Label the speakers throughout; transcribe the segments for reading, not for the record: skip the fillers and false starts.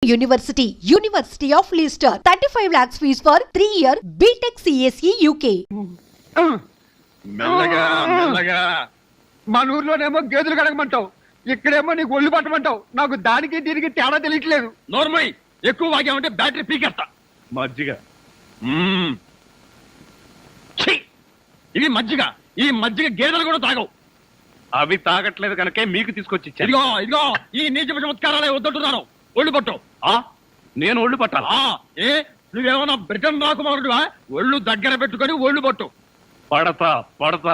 Speaker 1: University of Leicester. 35 lakhs fees for 3-year BTech CSE UK.
Speaker 2: మెల్లగా మెల్లగా మన ఊర్లోనేమో గేదెలు కడగమంటావు, ఇక్కడేమో నీకు ఒళ్ళు పట్టమంటావు. నాకు దానికి దీనికి తేడా తెలియట్లేదు.
Speaker 3: నోర్మై ఎక్కువ వాగామంటే బ్యాటరీ పీకేస్తా.
Speaker 2: మజ్జిగ
Speaker 3: ఇది మజ్జిగ. ఈ మజ్జిగ గేదెలు కూడా తాగవు.
Speaker 2: అవి తాగట్లేదు కనుకే మీకు తీసుకొచ్చి ఇచ్చాను.
Speaker 3: ఇదిగో ఇదిగో ఈ నీచ చమత్కారాలే వద్దంటున్నాను. ఒళ్ళు పట్టు.
Speaker 2: నేను ఒళ్ళు పట్టాలా?
Speaker 3: ఏ నువ్వేమన్నా బ్రిటన్ రాకుమారుడువా? ఒళ్ళు దగ్గర పెట్టుకొని ఒళ్ళు పట్టు.
Speaker 2: పడతా పడతా.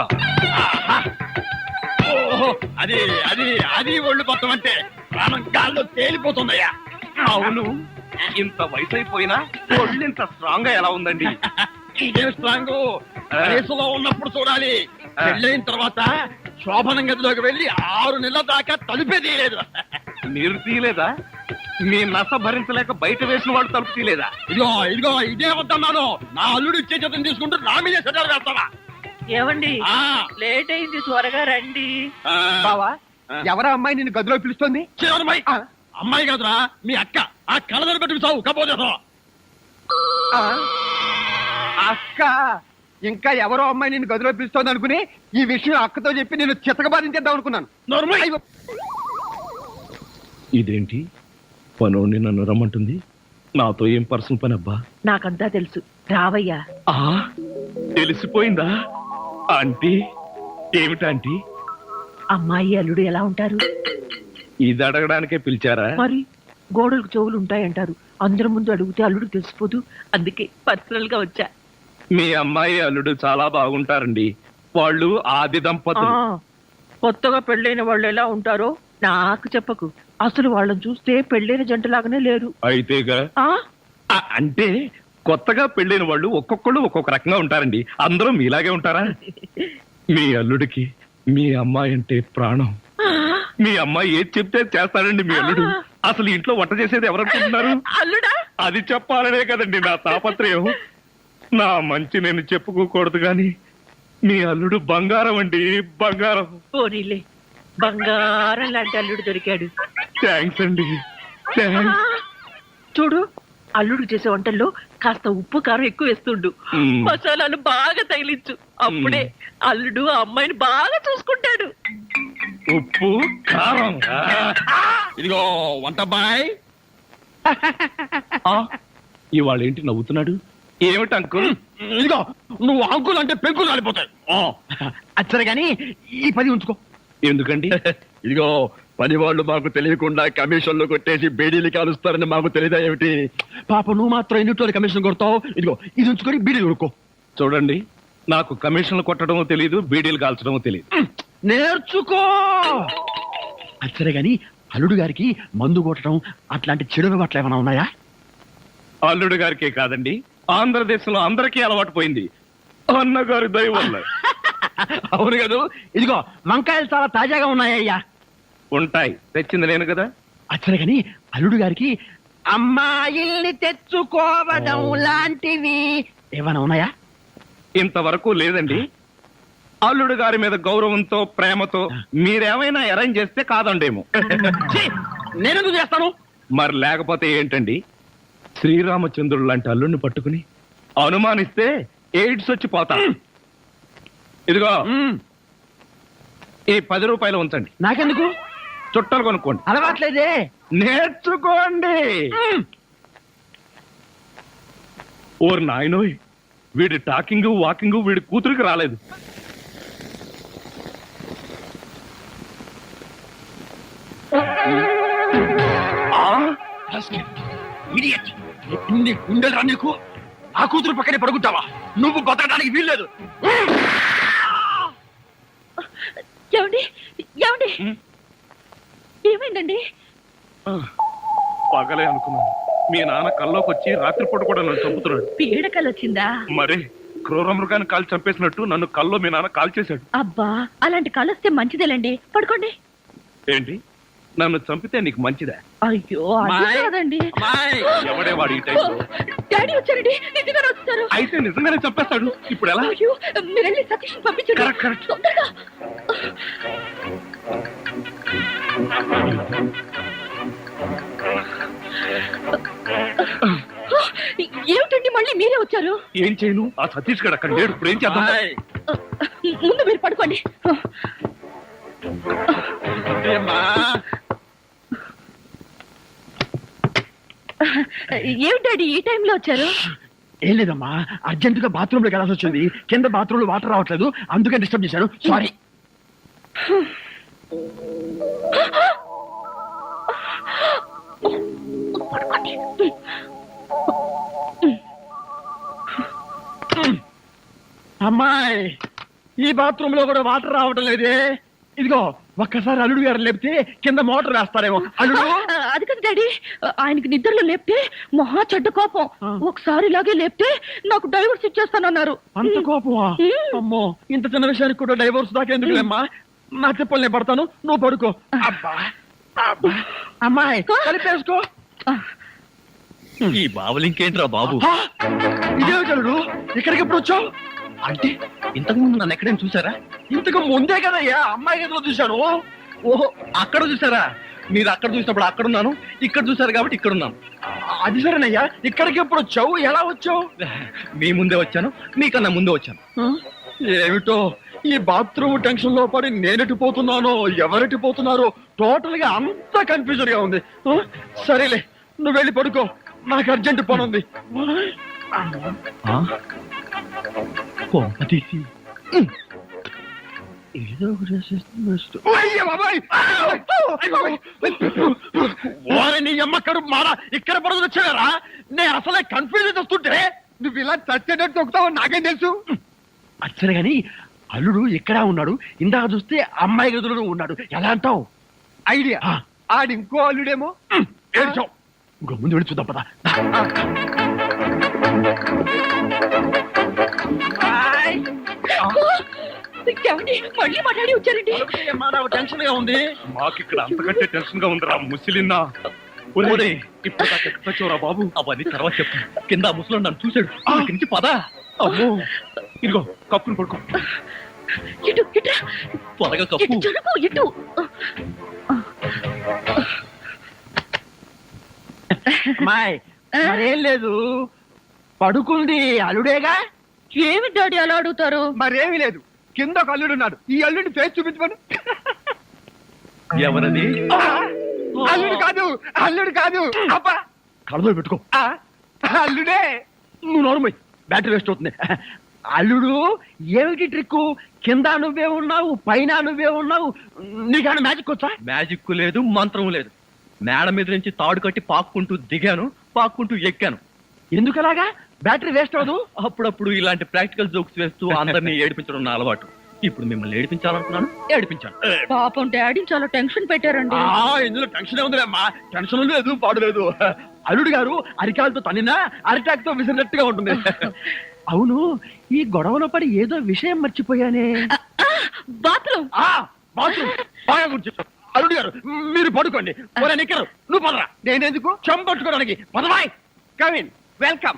Speaker 3: ఓహో, అది అది అది ఒళ్ళు పట్టం అంటే ప్రాణం గాల్లో తేలిపోతుందయ్యా.
Speaker 2: అవును, ఇంత వయసు అయిపోయినా ఒళ్ళు ఇంత స్ట్రాంగ్ గా ఎలా ఉందండి?
Speaker 3: ఇదే స్ట్రాంగ్ వయసులో ఉన్నప్పుడు చూడాలి. పెళ్ళైన తర్వాత శోభనం గదిలోకి వెళ్ళి 6 నెలల దాకా తలుపే తీయలేదు.
Speaker 2: మీరు తీయలేదా? మీ నస భరించలేక బయట వేసిన వాళ్ళు తలుపు తీయలేదా?
Speaker 3: ఇదిగో ఇదిగో ఇదే వద్దన్నాను. నా అల్లుడు ఇచ్చే చేతం తీసుకుంటూ నా మీదే సెటర్ వేస్తావా?
Speaker 4: ఏమండి లేట్ అయింది, త్వరగా రండి.
Speaker 2: బావా, ఎవరా అమ్మాయి నిన్ను గదిలో పిలుస్తోంది?
Speaker 3: అమ్మాయి కాదురా, మీ అక్క. ఆ కళ్ళదర పెట్టుకు చావు కపోతే.
Speaker 2: అక్క? ఇంకా ఎవరో అమ్మాయి నిన్ను గదిలో పిలుస్తోంది అనుకుని ఈ విషయం అక్కతో చెప్పి నేను చితకబాధించేద్దాం అనుకున్నాను.
Speaker 5: ఇదేంటి పనోడిని నన్ను రమ్మంటుంది? నాతో ఏం పర్సనల్ పని అబ్బా?
Speaker 4: నాకంతా తెలుసు, రావయ్యా.
Speaker 5: తెలిసిపోయిందా ఆంటీ? ఏమిటాంటీ?
Speaker 4: అమ్మాయి అల్లుడు ఎలా ఉంటారు?
Speaker 5: ఇది అడగడానికే పిలిచారా?
Speaker 4: మరి గోడలకు చెవులు ఉంటాయంటారు. అందరి ముందు అడిగితే అల్లుడు తెలిసిపోదు. అందుకే పర్సనల్ గా వచ్చా.
Speaker 5: మీ అమ్మాయి అల్లుడు చాలా బాగుంటారండి. వాళ్ళు ఆది దంపతులు.
Speaker 4: కొత్తగా పెళ్ళైన వాళ్ళు ఎలా ఉంటారో నాకు చెప్పకు. అసలు వాళ్ళని చూస్తే పెళ్ళైన జంటలాగానే లేరు.
Speaker 5: అయితేగా అంటే కొత్తగా పెళ్ళైన వాళ్ళు ఒక్కొక్కళ్ళు ఒక్కొక్క రకంగా ఉంటారండి. అందరూ మీలాగే ఉంటారా? మీ అల్లుడికి మీ అమ్మాయి అంటే ప్రాణం. మీ అమ్మాయి ఏది చెప్తే చేస్తాడండి మీ అల్లుడు. అసలు ఇంట్లో వంట చేసేది ఎవరనుకుంటున్నారు?
Speaker 4: అల్లుడా?
Speaker 5: అది చెప్పాలనే కదండి నా తాపత్రయం. నా మంచి నేను చెప్పుకోకూడదు గాని మీ అల్లుడు బంగారం అండి, బంగారం.
Speaker 4: పోనీలే, బంగారం లాంటి అల్లుడు దొరికాడు.
Speaker 5: థ్యాంక్స్ అండి, థ్యాంక్స్.
Speaker 4: చూడు, అల్లుడు చేసే వంటల్లో కాస్త ఉప్పు కారం ఎక్కువ వేస్తుండు. మసాలాలు బాగా తగిలించు. అప్పుడే అల్లుడు ఆ అమ్మాయిని బాగా చూసుకుంటాడు.
Speaker 5: ఉప్పు కారం.
Speaker 3: ఇదిగో వంట బాయ్.
Speaker 5: ఇవాళ ఏంటి నవ్వుతున్నాడు? ఏమిటి అంకుల్?
Speaker 3: ఇదిగో నువ్వు అంకుల్ అంటే పెంకులు కాలిపోతాయి.
Speaker 2: అచ్చరే గాని ఈ 10 ఉంచుకో.
Speaker 5: ఎందుకండి?
Speaker 3: ఇదిగో పని వాళ్ళు మాకు తెలియకుండా కమిషన్లు కొట్టేసి బేడీలు కాలుస్తారని మాకు తెలియదా ఏమిటి?
Speaker 2: పాప నువ్వు మాత్రం ఎన్నిటోళ్ళు కమిషన్ కొడతావు. ఇదిగో ఇది ఉంచుకొని బీడీలు కొనుక్కో.
Speaker 5: చూడండి, నాకు కమిషన్లు కొట్టడమో తెలియదు, బీడీలు కాల్చడమో తెలియదు.
Speaker 2: నేర్చుకో. అచ్చరే గాని అల్లుడు గారికి మందు కొట్టడం అట్లాంటి చెడు అలవాట్లు ఏమైనా ఉన్నాయా?
Speaker 5: అల్లుడు గారికే కాదండి, ఆంధ్రదేశంలో అందరికీ అలవాటు పోయింది అన్నగారి దయ వల్ల.
Speaker 2: అవును కదా. ఇదిగో వంకాయలు చాలా తాజాగా ఉన్నాయ్యా.
Speaker 5: ఉంటాయి, తెచ్చింది నేను కదా.
Speaker 2: అచ్చరే గాని అల్లుడు గారికి అమ్మాయిల్ని తెచ్చుకోవడం లాంటివి ఏమైనా ఉన్నాయా?
Speaker 5: ఇంతవరకు లేదండి. అల్లుడు గారి మీద గౌరవంతో ప్రేమతో మీరేమైనా అరేంజ్ చేస్తే కాదండేమో.
Speaker 2: నేనెందుకు చేస్తాను?
Speaker 5: మరి లేకపోతే ఏంటండి? శ్రీరామచంద్రుడు లాంటి అల్లుడిని పట్టుకుని అనుమానిస్తే ఎయిడ్స్ వచ్చి పోతా. ఇదిగో ఈ 10 రూపాయలు ఉంచండి.
Speaker 2: నాకెందుకు?
Speaker 5: చుట్టాలు కొనుక్కోండి.
Speaker 2: అలవాట్లేదే.
Speaker 5: నేర్చుకోండి. ఓర్ నాయనోయ్, వీడి టాకింగ్ వాకింగ్ వీడి కూతురికి రాలేదు.
Speaker 3: ఉండరా నీకు? ఆ కూతురు పక్కనే పడుకుంటావా? నువ్వు బతకడానికి వీల్లేదు.
Speaker 4: ఏమండి ఏమండి ఏమైందండి?
Speaker 5: పగలే అనుకున్నాను. మీ నాన్న కల్లోకి వచ్చి రాత్రిపూట కూడా నన్ను చంపుతున్నాడు.
Speaker 4: పీడకలు వచ్చిందా?
Speaker 5: మరి క్రూర మృగాన్ని కాల్చి చంపేసినట్టు నన్ను కల్లో మీ నాన్న కాల్ చేశాడు.
Speaker 4: అబ్బా, అలాంటి కలొస్తే మంచిదేలండి. పడుకోండి.
Speaker 5: ఏంటి, నన్ను చంపితే నీకు మంచిదా?
Speaker 4: అయ్యో అది కాదండి.
Speaker 5: ఎవడే వాడు ఈ టైంలో?
Speaker 4: డాడీ వచ్చారండి, నిజంగానే వస్తారు.
Speaker 5: అయితే నిజంగానే చంపేస్తాడు. ఇప్పుడు ఎలా?
Speaker 4: అయ్యో, మీరు వెళ్ళి సతీష్ పంపించండి తొందరగా. ఏమిటండి మళ్ళీ మీరే వచ్చారు?
Speaker 5: ఏం చేయను, ఆ సతీష్ గడు అక్కడ లేడు. ఇప్పుడు ఏం చేద్దాం?
Speaker 3: ఆయ్.
Speaker 4: ముందు మీరు పడుకోండి.
Speaker 3: ఏమ్మా?
Speaker 4: ఏమిటి డాడీ ఈ టైంలో వచ్చారు?
Speaker 3: ఏం లేదమ్మా, అర్జెంట్ గా బాత్రూమ్ లోకి వెళ్ళాల్సి వచ్చింది. కింద బాత్రూమ్ లో వాటర్ రావట్లేదు, అందుకే డిస్టర్బ్ చేశాను. సారీ. అమ్మాయి, ఈ బాత్రూమ్ లో కూడా వాటర్ రావటం లేదే. ఇదిగో ఒక్కసారి అల్లుడు గారు లేపితే కింద మోటార్ వేస్తారేమో. అల్లుడు,
Speaker 4: అది కదా డాడీ, ఆయనకి నిద్రలో లేపితే మహా చెడ్డ కోపం. ఒకసారి ఇలాగే లేపితే నాకు డైవర్స్ ఇచ్చేస్తానన్నారు.
Speaker 3: అంత కోపమా? అమ్మో, ఇంత చిన్న విషయానికి కూడా డైవోర్స్ దాకా ఎందుకులేమ్మా? నా చెప్పులు నేను పడతాను, నువ్వు పడుకో. అబ్బా అబ్బా. అమ్మాయి కలిపేసుకో.
Speaker 5: ఈ బాబులు ఇంకేంట్రా బాబు?
Speaker 3: ఆ, ఇదే చలుడు, ఇక్కడికి ఎప్పుడు వచ్చావు?
Speaker 5: అంటే ఇంతకు ముందు నన్ను ఎక్కడైనా చూసారా?
Speaker 3: ఇంతకు ముందే కదయ్యా అమ్మాయి గదిలో చూశాను.
Speaker 5: ఓహో, అక్కడ చూసారా? మీరు అక్కడ చూసినప్పుడు అక్కడ ఉన్నాను, ఇక్కడ చూసారు కాబట్టి ఇక్కడ ఉన్నాను.
Speaker 3: అది సరేనయ్యా, ఇక్కడికి ఎప్పుడు వచ్చావు? ఎలా వచ్చావు?
Speaker 5: మీ ముందే వచ్చాను, మీకన్నా ముందే వచ్చాను.
Speaker 3: ఏమిటో ఈ బాత్రూమ్ టెన్షన్ లో పడి నేనెటు పోతున్నానో ఎవరెటు పోతున్నారో టోటల్ గా అంతా కన్ఫ్యూజన్ గా ఉంది. సరేలే, నువ్వు వెళ్ళి పడుకో, నాకు అర్జెంట్ పని ఉంది.
Speaker 5: తీసి
Speaker 3: ఏదో నీ అమ్మక్కడు మారా, ఇక్కడ పడుతుంది వచ్చారా? నేను అసలే కన్ఫ్యూజన్ వస్తుంటే నువ్వు ఇలా చచ్చేటట్టు తొక్కుతావు నాకేం తెలుసు. అచ్చరే గాని అల్లుడు ఇక్కడ ఉన్నాడు, ఇందాక చూస్తే అమ్మాయి గదులో ఉన్నాడు. ఎలా అంటావు? ఐడియా. ఆడి ఇంకో అల్లుడేమో. ఏడ్చావు, ఇంకో ముందు వెళ్ళి చూద్దాం పదా.
Speaker 4: ఏమండి మళ్ళీ మాట్లాడి వచ్చారండి?
Speaker 3: టెన్షన్ గా ఉంది.
Speaker 5: మాకు ఇక్కడ అంతకంటే టెన్షన్ గా ఉందిరా ముసిలిన్నా. ఒరే, ఇప్పుడు దాకా ఎక్కడ వచ్చావురా బాబు? అవన్నీ తర్వాత చెప్పు. కింద ముసలో నన్ను చూశాడు, ఇక్కడి నుంచి పదా. అమ్మో, ఇదిగో కప్పుని పడుకో.
Speaker 4: ఇటు ఇట్రా,
Speaker 5: త్వరగా కప్పు.
Speaker 4: ఇటు జరుగు, ఇటు.
Speaker 3: అమ్మాయి మరేం లేదు, పడుకుంది అల్లుడేగా.
Speaker 4: ఏమి డాడీ అలా అడుగుతారు?
Speaker 3: మరేమీ లేదు, కింద ఒక అల్లుడున్నాడు. ఈ అల్లుడిని ఫేస్ చూపించమను.
Speaker 5: ఎవరది?
Speaker 3: అల్లుడు కాదు, అల్లుడు కాదు. అబ్బా, కళ్ళలో పెట్టుకో. అల్లుడే. నువ్వు నోరుమోయ్, బ్యాటరీ వేస్ట్ అవుతుంది. అల్లుడు ఏమిటి ట్రిక్? కింద నువ్వే ఉన్నావు, పైన నువ్వే ఉన్నావు. నీకన్నా మ్యాజిక్ వచ్చా?
Speaker 5: మ్యాజిక్ లేదు, మంత్రం లేదు. మేడ మీద నుంచి తాడు కట్టి పాక్కుంటూ దిగాను, పాక్కుంటూ ఎక్కాను.
Speaker 3: ఎందుకలాగా? బ్యాటరీ వేస్ట్ అవ్వదు.
Speaker 5: అప్పుడప్పుడు ఇలాంటి ప్రాక్టికల్ జోక్స్ వేస్తూ అందరినీ ఏడిపించడం నా అలవాటు. ఇప్పుడు మిమ్మల్ని ఏడిపించాలనుకున్నాను, ఏడిపించాను.
Speaker 4: పాపం డాడీ చాలా టెన్షన్ పెట్టారండి.
Speaker 3: ఇందులో టెన్షన్ ఉందిలేమ్మా, టెన్షన్ లేదు, పాడు లేదు. అల్లుడు గారు అరికాలతో తన్నినా అరిటాక్ తో విసిరినట్టుగా ఉంటుంది. అవును, ఈ గొడవలో పడి ఏదో విషయం మర్చిపోయానే.
Speaker 4: బాత్రూమ్.
Speaker 3: బాత్రూమ్ బాగా గుర్తు. అల్లుడు గారు మీరు పడుకోండి. నిక్కరు నువ్వు పదరా. నేనెందుకు? చెంపట్టుకోవడానికి. పదవాయ్. Come in, welcome.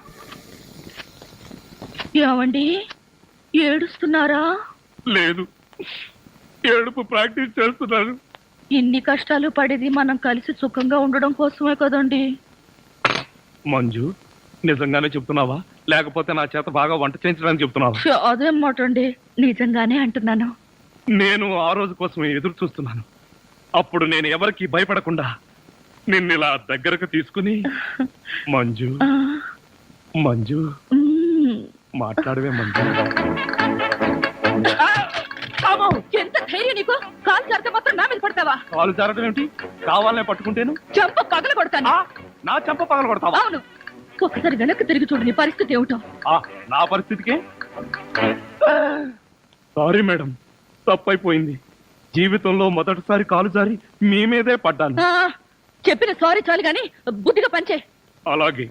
Speaker 4: ఏమండి ఏడుస్తున్నారా?
Speaker 5: లేదు, ఏడుపు ప్రాక్టీస్ చేస్తున్నాను.
Speaker 4: ఇన్ని కష్టాలు పడేది మనం కలిసి సుఖంగా ఉండడం కోసమే కదండి.
Speaker 5: మంజు, నిజంగానే చెప్తున్నావా లేకపోతే నా చేత బాగా వంట చేయించడానికి చెప్తున్నావా?
Speaker 4: అదేం మాట అండి, నిజంగానే అంటున్నాను.
Speaker 5: నేను ఆ రోజు కోసం ఎదురు చూస్తున్నాను. అప్పుడు నేను ఎవరికి భయపడకుండా నిన్ను ఇలా దగ్గరకు తీసుకుని మంజు మంజు మాట్లాడవే మంజు.
Speaker 4: ఎంత ధైర్యం నీకు? కాలు జారితే మాత్రం నా మీద పడతావా?
Speaker 5: కాలు జారడం ఏమిటి? కావాలనే పట్టుకుంటేను
Speaker 4: చెంప పగల కొడతాను.
Speaker 5: నా చెంప పగల కొడతావా?
Speaker 4: అవును, ఒకసారి వెనక్కి తిరిగి చూడు, నీ పరిస్థితి ఏమిటో.
Speaker 5: నా పరిస్థితికే సారీ మేడం, తప్పైపోయింది. జీవితంలో మొదటిసారి కాలు జారి మీ మీదే పడ్డాను.
Speaker 4: చెప్పిన సారీ చాలు గాని బుద్ధిగా పంచే.
Speaker 5: అలాగే.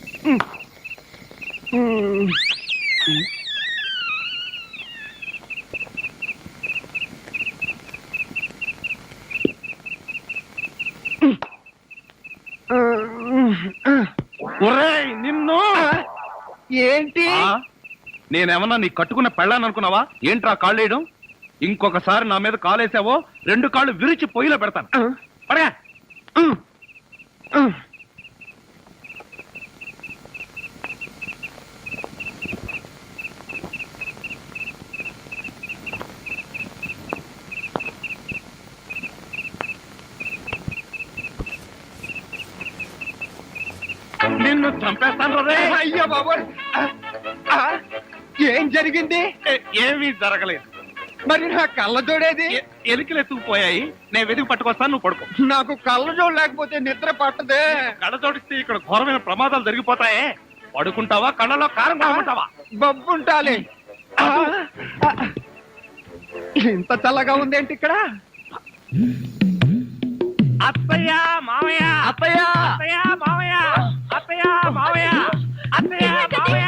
Speaker 3: నిన్ను ఏంటి?
Speaker 5: నేనేమన్నా నీ కట్టుకున్న పెళ్ళాను అనుకున్నావా? ఏంట్రా కాళ్ళు వేయడం? ఇంకొకసారి నా మీద కాలేసావో 2 కాళ్ళు విరిచి పొయ్యిలో పెడతాను. పడగా. నిన్ను చంపేస్తాను రే.
Speaker 2: అయ్యో బాబోయ్ ఆ, ఏం జరిగింది?
Speaker 5: ఏమీ జరగలేదు.
Speaker 2: మరి నా కళ్ళజోడేది?
Speaker 5: ఎలికలు ఎత్తుకుపోయాయి. నేను వెతికి పట్టుకొస్తాను, నువ్వు పడుకో.
Speaker 2: నాకు కళ్ళజోడు లేకపోతే నిద్ర పట్టదే.
Speaker 5: కళ్ళ జోడిస్తే ఇక్కడ ఘోరమైన ప్రమాదాలు జరిగిపోతాయే. పడుకుంటావా, కళ్ళలో కారం కొనుక్కుంటావా?
Speaker 2: బొబ్బుంటాలి. ఆ, ఆ, ఇంత చల్లగా ఉందేంటి ఇక్కడ?
Speaker 5: అత్తయ్య మామయ్య,
Speaker 2: అత్తయ్య
Speaker 5: అత్తయ్య మామయ్య, అత్తయ్య మామయ్య, అత్తయ్య మామయ్య.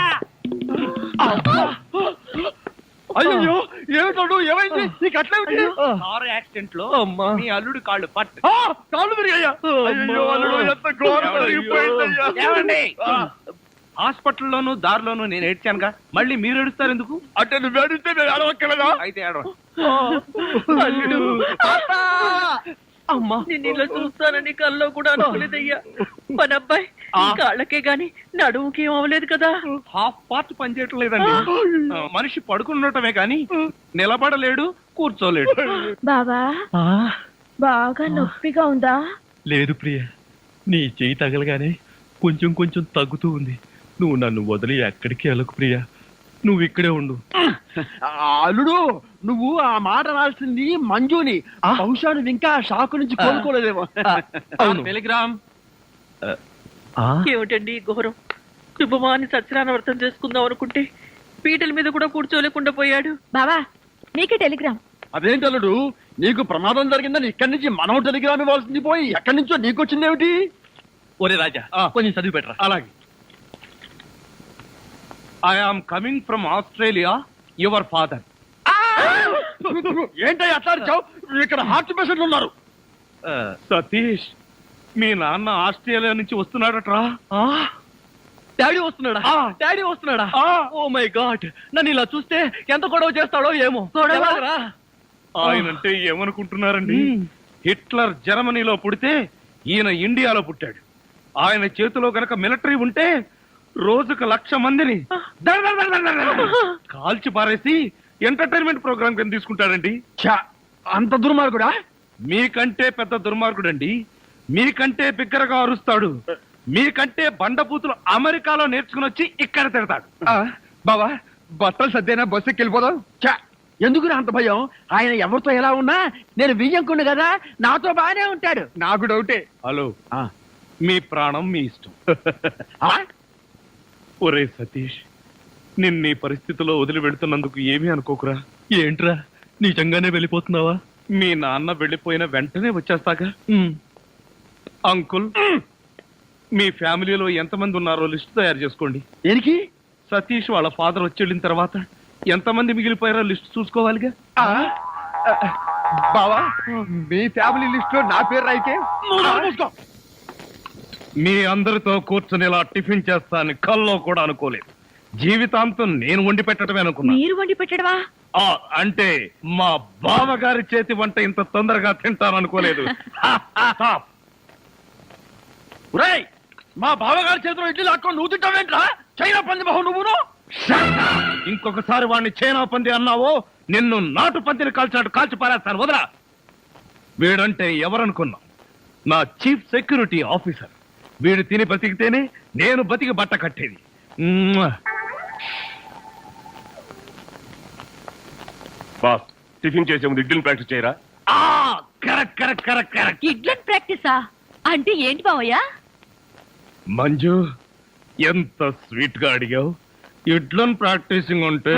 Speaker 2: అయ్యో ఏమిటోడు, ఏమైంది నీకు? అట్లా
Speaker 5: కారు యాక్సిడెంట్ లో
Speaker 2: అమ్మా.
Speaker 5: మీ అల్లుడు కాళ్ళు పట్టు.
Speaker 2: కాళ్ళు విరిగాయ్యా. అయ్యో, అల్లుడు ఎంత ఘోరం జరిగిపోయిందయ్యా.
Speaker 5: ఏమండి? హాస్పిటల్లోను దారిలోను నేను ఏడ్చానుగా, మళ్ళీ మీరు ఏడుస్తారు ఎందుకు?
Speaker 2: అంటే నువ్వు ఏడిస్తే నేను అడవక్కలేదా?
Speaker 5: అయితే ఏడవ.
Speaker 4: అల్లుడు
Speaker 2: అత్త!
Speaker 4: అమ్మా నేను ఇలా చూస్తానని కల్లో కూడా అనుకోలేదయ్యా. మన అబ్బాయి ఈ కాళ్ళకే గాని నడుముకి ఏం అవ్వలేదు కదా.
Speaker 5: హాఫ్ పార్ట్ పనిచేయటం లేదండి. మనిషి పడుకున్నటమే కానీ నిలబడలేడు, కూర్చోలేడు.
Speaker 6: బావా బాగా నొప్పిగా ఉందా?
Speaker 7: లేదు ప్రియ, నీ చెయ్యి తగలగానే కొంచెం కొంచెం తగ్గుతూ ఉంది. నువ్వు నన్ను వదిలి ఎక్కడికి వెళ్ళకు ప్రియ, నువ్వు ఇక్కడే ఉండు.
Speaker 2: అల్లుడు, నువ్వు ఆ మాట రాల్సింది మంజుని. బహుశా నువ్వు ఇంకా షాక్ నుంచి కోలుకోలేదేమో.
Speaker 5: అవును. టెలిగ్రామ్.
Speaker 4: ఏమిటండి ఈ ఘోరం? శుభమాని సత్యనారాయణ వ్రతం చేసుకుందాం అనుకుంటే పీటల మీద కూడా కూర్చోలేకుండా పోయాడు.
Speaker 6: బావా నీకే టెలిగ్రామ్.
Speaker 2: అదేంటి అల్లుడు, నీకు ప్రమాదం జరిగిందని ఇక్కడి నుంచి మనం టెలిగ్రామ్ ఇవ్వాల్సింది పోయి ఎక్కడి నుంచో నీకు వచ్చిందేమిటి?
Speaker 7: ఒరే రాజా, కొంచెం చదివి పెట్టరా.
Speaker 5: అలాగే. I am coming from Australia, your father.
Speaker 2: ఏంటో అట్లా అరిచావ్? ఇక్కడ హార్ట్ పేషెంట్లు ఉన్నారు.
Speaker 5: సతీష్, మీ నాన్న ఆస్ట్రేలియా నుంచి వస్తున్నాడట్రా.
Speaker 7: డాడీ వస్తున్నాడా? డాడీ వస్తున్నాడా? ఓ మై గాడ్, నన్ను ఇలా చూస్తే ఎంత గొడవ చేస్తాడో ఏమో. ఎలాగరా?
Speaker 5: ఆయనంటే ఏమనుకుంటున్నారండి? హిట్లర్ జర్మనీలో పుడితే ఈయన ఇండియాలో పుట్టాడు. ఆయన చేతిలో గనక మిలిటరీ ఉంటే రోజుకు 1,00,000 మందిని కాల్చి పారేసి ఎంటర్టైన్మెంట్ ప్రోగ్రామ్ కింద తీసుకుంటాడండి.
Speaker 2: అంత దుర్మార్గుడా?
Speaker 5: మీకంటే పెద్ద దుర్మార్గుడండి. మీకంటే బిగ్గరగా అరుస్తాడు. మీకంటే బండబూతులు అమెరికాలో నేర్చుకుని వచ్చి ఇక్కడ తిడతాడు.
Speaker 2: బావా, బట్టలు సర్దేనా బస్సుకి వెళ్ళిపోదాం. ఎందుకు అంత భయం? ఆయన ఎవరితో ఎలా ఉన్నా నేను వియ్యంకుండు కదా, నాతో బానే ఉంటాడు. నాకు డౌటే.
Speaker 5: హలో, మీ ప్రాణం మీ ఇష్టం. ఒరే సతీష్, నిన్న పరిస్థితిలో వదిలి వెళ్తున్నందుకు ఏమీ అనుకోకురా.
Speaker 7: ఏంట్రా, నిజంగానే వెళ్ళిపోతున్నావా?
Speaker 5: మీ నాన్న వెళ్ళిపోయిన వెంటనే వచ్చేస్తాగా. అంకుల్, మీ ఫ్యామిలీలో ఎంతమంది ఉన్నారో లిస్ట్ తయారు చేసుకోండి.
Speaker 2: దేనికి?
Speaker 5: సతీష్ వాళ్ళ ఫాదర్ వచ్చి వెళ్ళిన తర్వాత ఎంతమంది మిగిలిపోయారో లిస్ట్ చూసుకోవాలిగా.
Speaker 2: బావా, మీ ఫ్యామిలీ లిస్ట్ లో నా పేరు రాయికే.
Speaker 5: మీ అందరితో కూర్చొని ఇలా టిఫిన్ చేస్తానని కల్లో కూడా అనుకోలేదు. జీవితాంతం నేను వండి పెట్టడమే అనుకున్నా.
Speaker 6: మీరు వండి పెట్టడవా?
Speaker 5: అంటే మా బావగారి చేతి వంట ఇంత తొందరగా తింటాననుకోలేదు.
Speaker 2: ఒరేయ్, మా బావగారి చేతిలో ఇడ్లీ లాక్కొని నువ్వు తింటావేంట్రా? చైనా పంది బహు నువ్వును.
Speaker 5: ఇంకొకసారి వాడిని చైనా పంది అన్నావో నిన్ను నాటు పందిని కాల్చినట్టు కాల్చి పారేస్తాను. వదరా. వీడంటే ఎవరనుకున్నా? నా చీఫ్ సెక్యూరిటీ ఆఫీసర్. వీడు తిని బతికితేనే నేను బతికి బట్ట కట్టేది.
Speaker 8: బాస్, టిఫిన్ చేసే ముందు ఇడ్లీని ప్రాక్టీస్ చేయరా?
Speaker 5: Correct correct correct correct.
Speaker 6: ఇడ్లన్ ప్రాక్టీసా అంటే ఏంటి బావయ్య?
Speaker 5: మంజు, ఎంత స్వీట్ గా అడిగావు. ఇడ్లను ప్రాక్టీసింగ్ ఉంటే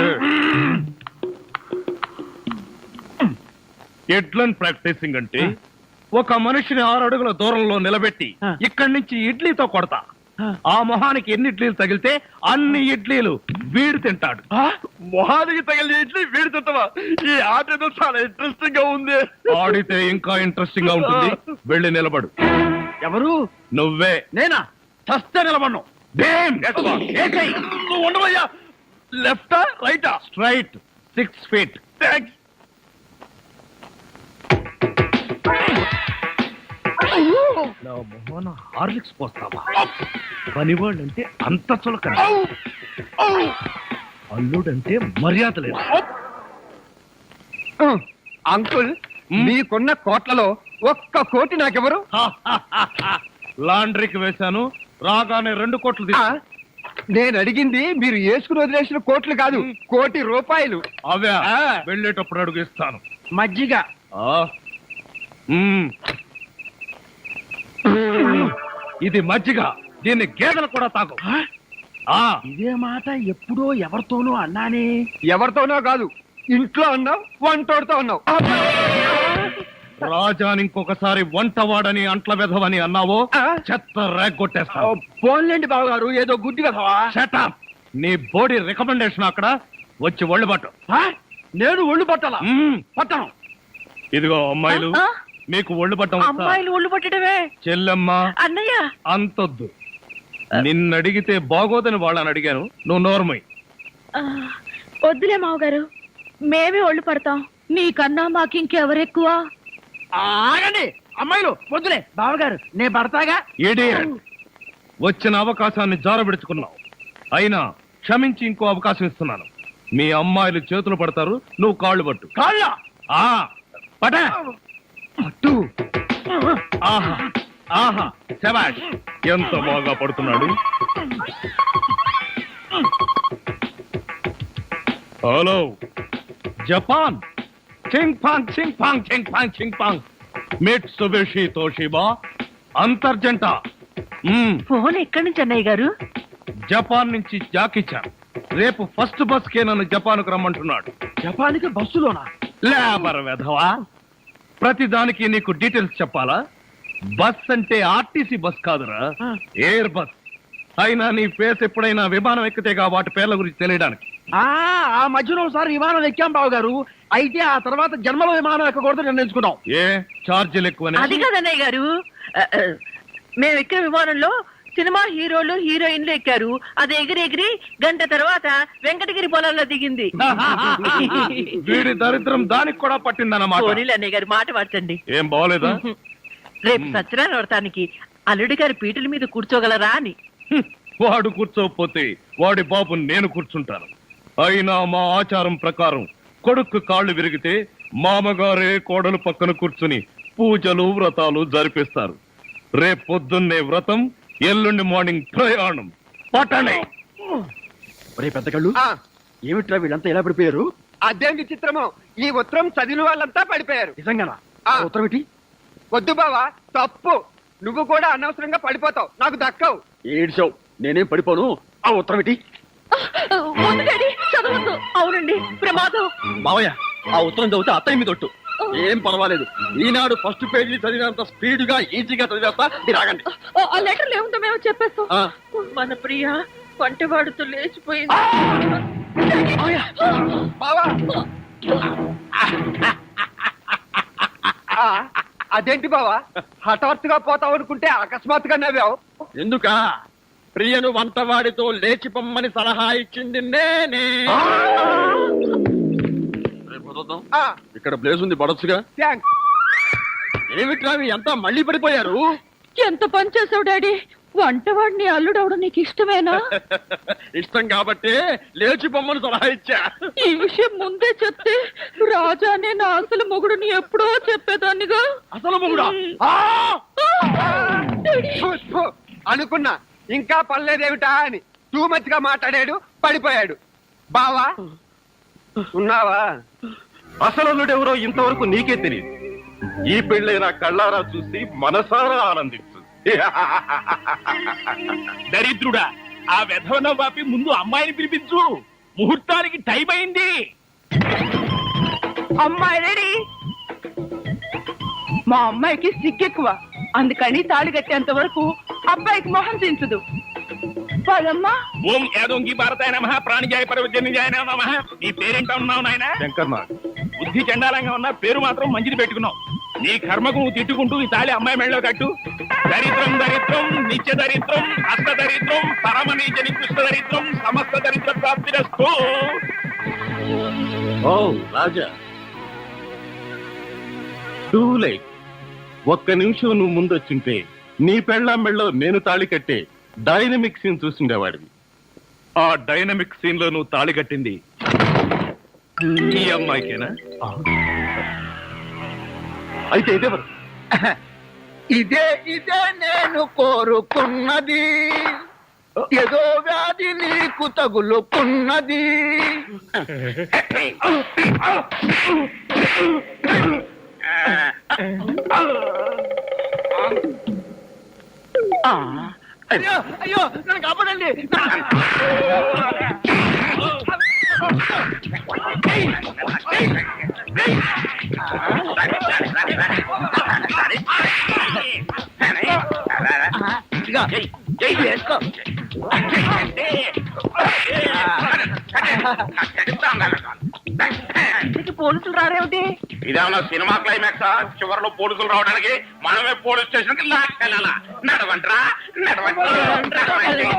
Speaker 5: ఎడ్లను ప్రాక్టీసింగ్ అంటే ఒక మనిషిని 6 అడుగుల దూరంలో నిలబెట్టి ఇక్కడి నుంచి ఇడ్లీతో కొడతా. ఆ మొహానికి ఎన్ని ఇడ్లీలు తగిలితే అన్ని ఇడ్లీలు వీడు తింటాడు.
Speaker 2: మొహానికి తగిలి ఇడ్లీ వీడి తింటావా? ఈ ఆట ఏదో చాలా ఇంట్రెస్టింగ్ గా ఉంది.
Speaker 5: ఆడితే ఇంకా ఇంట్రెస్టింగ్ గా ఉంటుంది. వెళ్ళి నిలబడు.
Speaker 2: ఎవరు?
Speaker 5: నువ్వే.
Speaker 2: నేనా? చస్తే నిలబడ్ను. నువ్వు ఉండవయ్యా. లెఫ్టా రైటా?
Speaker 5: Straight 6 feet.
Speaker 2: థాంక్స్.
Speaker 5: నా మొహన హార్లిక్స్ పోస్తావా? పనివాళ్ళంటే అంత చులకన, అల్లుడంటే మర్యాద లేదు.
Speaker 2: అంకుల్, మీకున్న కోట్లలో 1 కోటి నాకెవరు?
Speaker 5: లాండ్రీకి వేశాను, రాగానే 2 కోట్లు తీసుకో.
Speaker 2: నేను అడిగింది మీరు వేసుకుని వదిలేసిన కోట్లు కాదు, ₹1,00,00,000.
Speaker 5: అవే
Speaker 2: ఆ.
Speaker 5: వెళ్ళేటప్పుడు అడుగు ఇస్తాను.
Speaker 2: మజ్జిగ.
Speaker 5: ఆ. మ్మ్. ఇది మజ్జిగ, దీన్ని గేదెలు కూడా తాగు. ఆ.
Speaker 2: ఇదే మాట ఎప్పుడో ఎవరితోనో అన్నానే. ఎవరితోనో కాదు, ఇంట్లో అన్నావు, వంటోడుతో అన్నావు.
Speaker 5: రాజాని ఇంకొకసారి వంటవాడని అంట్ల వెధవని అన్నావో
Speaker 2: ఆ?
Speaker 5: చెత్త రేగొట్టేస్తావు.
Speaker 2: పోన్లేండి బావగారు, ఏదో గుడ్డి కదవా.
Speaker 5: Shut up. నీ బోడీ రికమెండేషన్ అక్కడ వచ్చి ఒళ్ళు పట్టు.
Speaker 2: నేను ఒళ్ళు పట్టాలా?
Speaker 5: మ్మ్.
Speaker 2: పట్టను.
Speaker 5: ఇదిగో అమ్మాయిలు,
Speaker 4: ఆ?
Speaker 5: మీకు ఒళ్ళు పట్టం వస్తా?
Speaker 4: అమ్మాయిలు ఒళ్ళు పట్టడమే.
Speaker 5: చెల్లెమ్మ
Speaker 4: అన్నయ్య
Speaker 5: అంతొద్దు. నిన్నడిగితే బాగోదని వాళ్ళని అడిగాను, నువ్వు నోర్మై.
Speaker 6: ఆ, వద్దులే మావగారు, మేమే ఒళ్ళు పడతాం. నీకన్నా మాకింకెవరెక్కువ?
Speaker 2: ఆగండి అమ్మాయిలు, వద్దులే బావగారు, నేను పడతాగా.
Speaker 5: Idiot. వచ్చిన అవకాశాన్ని జారబెడుచుకున్నావు. అయినా క్షమించి ఇంకో అవకాశం ఇస్తున్నాను. మీ అమ్మాయిలు చేతులు పడతారు, నువ్వు కాళ్ళు పట్టు.
Speaker 2: కాళ్ళ.
Speaker 5: ఆ పట.
Speaker 2: పట్టు.
Speaker 5: ఆహా ఆహా, శభాష్. ఎంత బాగా పడుతున్నాడు. Hello Japan. చింగ్ పాంగ్ చింగ్ పాంగ్ చింగ్ పాంగ్ చింగ్ పాంగ్. మిట్సుబిషి తోషిబా అంతర్జంట.
Speaker 4: ఫోన్ ఎక్కడి నుంచి అన్నయ్య గారు?
Speaker 5: జపాన్ నుంచి జాకిచాన్. రేపు ఫస్ట్ బస్ కే నన్ను జపాన్కు రమ్మంటున్నాడు.
Speaker 2: జపాన్కి బస్సులోనా?
Speaker 5: లేబర్ వెధవా, ప్రతి దానికి నీకు డీటెయిల్స్ చెప్పాలా? బస్ అంటే ఆర్టీసీ బస్ కాదురా, ఎయిర్ బస్. అయినా నీ ఫేస్ ఎప్పుడైనా విమానం ఎక్కితేగా వాటి పేర్ల గురించి తెలియడానికి.
Speaker 2: ఆ మధ్యలో ఒకసారి విమానం ఎక్కాం బావగారు. అయితే ఆ తర్వాత జన్మలో విమానం ఎక్కకూడదు నిర్ణయించుకున్నాం.
Speaker 5: ఏ ఛార్జీలు ఎక్కువనే?
Speaker 4: అది కాదన్నయ్య గారు, మేము ఎక్కిన విమానంలో సినిమా హీరోలు హీరోయిన్లు ఎక్కారు. అది ఎగిరి గంట తర్వాత వెంకటగిరి పొలాల్లో దిగింది.
Speaker 5: వీడి దరిద్రం దానికి కూడా పట్టిందన్నమాట.
Speaker 4: పోనీలు అన్నయ్య గారు, మాట మార్చండి.
Speaker 5: ఏం బాగోలేదా?
Speaker 4: రేపు సత్యనారాయణ వ్రతానికి అల్లుడి గారి పీటల మీద కూర్చోగలరా అని.
Speaker 5: వాడు కూర్చోకపోతే వాడి బాబు నేను కూర్చుంటాను. అయినా మా ఆచారం ప్రకారం కొడుకు కాళ్ళు విరిగితే మామగారే కోడలు పక్కన కూర్చుని పూజలు వ్రతాలు జరిపిస్తారు. రేపు పొద్దున్నే వ్రతం, ఎల్లుండి మార్నింగ్ ప్రయాణం. పట్టణే.
Speaker 2: ఒరే పెద్ద కళ్ళు, ఏమిట్రా వీళ్ళంతా ఎలా పడిపోయారు?
Speaker 3: అదేం విచిత్రమో, ఈ ఉత్తరం చదివిన వాళ్ళంతా పడిపోయారు.
Speaker 2: నిజంగానా?
Speaker 3: ఆ.
Speaker 2: ఉత్తరం ఏంటి?
Speaker 3: వద్దు బావా, తప్పు. నువ్వు కూడా అనవసరంగా పడిపోతావు, నాకు దక్కవు.
Speaker 2: ఏడ్చావు, నేనేం పడిపోను. ఆ ఉత్తరం ఏంటి?
Speaker 6: వద్దు డాడీ, చదవద్దు.
Speaker 4: అవునండి, ప్రమాదం.
Speaker 2: మావయ్య, ఆ ఉత్తరం చదివితే అత్తయ్య మీద ఒట్టు. ఏం పర్వాలేదు, ఈనాడు ఫస్ట్ పేజీ చదివినంత స్పీడ్ గా ఈజీగా చదివేస్తా. మీరు ఆగండి.
Speaker 6: ఆ లెటర్ ఏముందో మేము చెప్పేస్తాం.
Speaker 2: ఆ.
Speaker 4: మన ప్రియ వంటవాడుతో లేచిపోయింది.
Speaker 3: బావా, అదేంటి బావా, హఠాత్తుగా పోతావు అనుకుంటే అకస్మాత్తుగా నవ్వావు.
Speaker 2: ఎందుక? ప్రియను వంటవాడితో లేచి పొమ్మని సలహా ఇచ్చింది నేనే. ఇక్కడ ప్లేస్ ఉంది, పడొచ్చుగా.
Speaker 3: థ్యాంక్స్.
Speaker 2: ఏమిట్రా ఎంత మళ్ళీ పడిపోయారు?
Speaker 6: ఎంత పని చేసావు డాడీ. వంటవాడిని అల్లుడవడం నీకు ఇష్టమేనా?
Speaker 2: ఇష్టం కాబట్టి లేచి పొమ్మని సలహా ఇచ్చా.
Speaker 6: ఈ విషయం ముందే చెప్తే రాజానే నా అసలు మొగుడుని ఎప్పుడో చెప్పేదాన్నిగా.
Speaker 2: అసలు మొగుడా?
Speaker 3: ఫు, ఫు, అనుకున్నా ఇంకా పర్లేదేమిటా అని. టూ మచ్ గా మాట్లాడాడు, పడిపోయాడు. బావా ఉన్నావా?
Speaker 5: అసలు ఇంతవరకు నీకే తెలియదు. ఈ పెళ్ళైన కళ్ళారా చూసి మనసారా ఆనందించు.
Speaker 7: దరిద్రుడా, ఆ వెధవన వాపి ముందు అమ్మాయిని పిలిపించు. ముహూర్తానికి టైం అయింది.
Speaker 4: అమ్మాయి రెడీ. మా అమ్మాయికి సిగ్గెక్కువ, అందుకని తాళి కట్టేంత వరకు అబ్బాయికి మొహం దించదు. పదమ్మా.
Speaker 7: ఓం యాదోంగి భారతాయ నమః, ప్రాణిజాయ పరవజన్యజాయ నమః. నీ పేరేంటా ఉన్నావు నాయన?
Speaker 5: శంకర్నాథ్.
Speaker 7: బుద్ధి చండాలంగా ఉన్నా పేరు మాత్రం మంచిది పెట్టుకున్నావు. నీ కర్మకు నువ్వు తిట్టుకుంటూ ఈ తాళి అమ్మాయి మెళ్ళలో కట్టు. దరిద్రం దరిద్రం, నిత్య దరిద్రం, అష్ట దరిద్రం, పరమ నీచ నికృష్ట దరిద్రం, సమస్త దరిద్ర ప్రాప్తిరస్తు.
Speaker 5: ఓ రాజా, టూ లైట్. ఒక్క నిమిషం నువ్వు ముందొచ్చుంటే నీ పెళ్ళాం మెళ్ళలో నేను తాళి కట్టే డైనమిక్ సీన్ చూసిండేవాడివి. ఆ డైనమిక్ సీన్ లో నువ్వు తాళి కట్టింది ఈ అమ్మాయికేనా? అయితే ఇదేవరు?
Speaker 2: ఇదే నేను కోరుకున్నది, ఏదో వ్యాధి నీకు తగులుకున్నది. అయ్యో అయ్యో నన్ను కాపాడండి. వేసుకో. పోలీసులు రారేమిటి?
Speaker 7: ఇదేమన్నా సినిమా క్లైమాక్స్ చివరిలో పోలీసులు రావడానికి మనమే పోలీస్ స్టేషన్ కి లాక్కెళ్ళాలా? నడవంట్రా నడవండి.